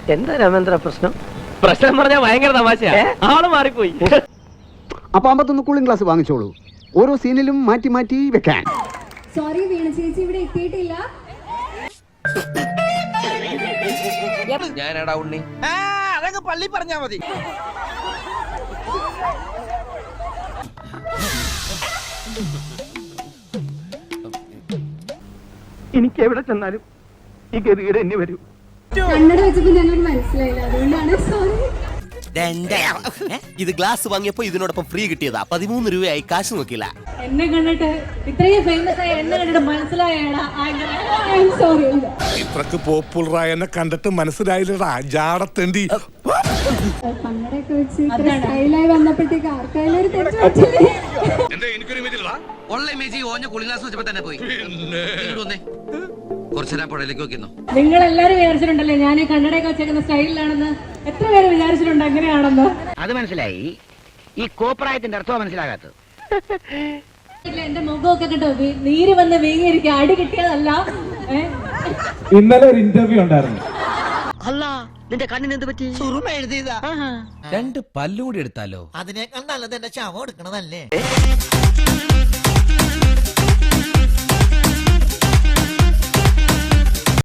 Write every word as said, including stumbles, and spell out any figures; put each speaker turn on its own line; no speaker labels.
എന്താ രാമേന്ദ്ര പ്രശ്നം? പ്രശ്നം പറഞ്ഞാൽ ഭയങ്കര തമാശയാ, ആള് മാറിപ്പോയി.
അപ്പൊ അമ്പത്തൊന്ന് കൂളിംഗ് ഗ്ലാസ് വാങ്ങിച്ചോളൂ, ഓരോ സീനിലും മാറ്റി മാറ്റി വെക്കാൻ.
സോറി വീണ ചേച്ചി ഇവിടെ എത്തിയിട്ടില്ല.
ഞാനടാ ഉണ്ണി. അതങ്ങ് പള്ളി പറഞ്ഞാ മതി.
എനിക്ക് എവിടെ ചെന്നാലും ഈ ഗതികേട് എന്നെ വരൂ.
കണ്ണട വെച്ചപ്പോ ഞങ്ങൾക്ക് മനസ്സിലായില്ല, അതുകൊണ്ടാണ് സോറി.
ഇത് ഗ്ലാസ് വാങ്ങിയപ്പോ ഇതിനോടൊപ്പം ഫ്രീ കിട്ടിയതാ. പതിമൂന്ന് രൂപയായി, കാശ് നോക്കില്ല.
എന്നെ കണ്ടിട്ട് ഇത്രയും ഫേമസ് ആയ എന്നെ കണ്ടിട്ട് മനസ്സിലായടാ. സോറി.
ഇത്രക്ക് പോപ്പുലറായ എന്നെ കണ്ടിട്ട് മനസ്സിലായില്ലടാ ജാടത്തേണ്ടി.
കണ്ണടയൊക്കെ വെച്ച് ഇത്ര സ്റ്റൈലായി വന്നപ്പോഴത്തേക്ക് ആർക്കായാലും ഒരു തെറ്റ് പറ്റില്ലേ?
ഉള്ള ഇമേജ് ഓഞ്ഞ കൂളിംഗ് ഗ്ലാസ് വെച്ചപ്പോ തന്നെ പോയി. കുറച്ചേരാ പുഴയിലേക്ക് നോക്കിന്നോ.
നിങ്ങൾ എല്ലാരും വിചാരിച്ചിട്ടുണ്ടല്ലേ ഞാൻ ഈ കണ്ണടയൊക്കെ വെച്ചേക്കുന്ന സ്റ്റൈലിലാണെന്ന്? എത്ര പേര് വിചാരിച്ചിട്ടുണ്ട് അങ്ങനെയാണെന്ന്?
അത് മനസ്സിലായി. ഈ കോപ്രായത്തിന്റെ അർത്ഥം മനസ്സിലാകാത്തത്.
എന്റെ മുഖമൊക്കെ കേട്ടോ നീര് വന്ന് വീങ്ങിയിരിക്കും, അടി കിട്ടിയതല്ല.
ഇന്നലെ ഒരു ഇന്റർവ്യൂ ഉണ്ടായിരുന്നു.
അല്ല, നിന്റെ കണ്ണിന് എന്ത് പറ്റി?
സുറുമ എഴുതിയതാ.
രണ്ട് പല്ലും കൂടി എടുത്താലോ?
അതിനേക്കാൾ നല്ലത് എന്റെ ശവം എടുക്കണതല്ലേ.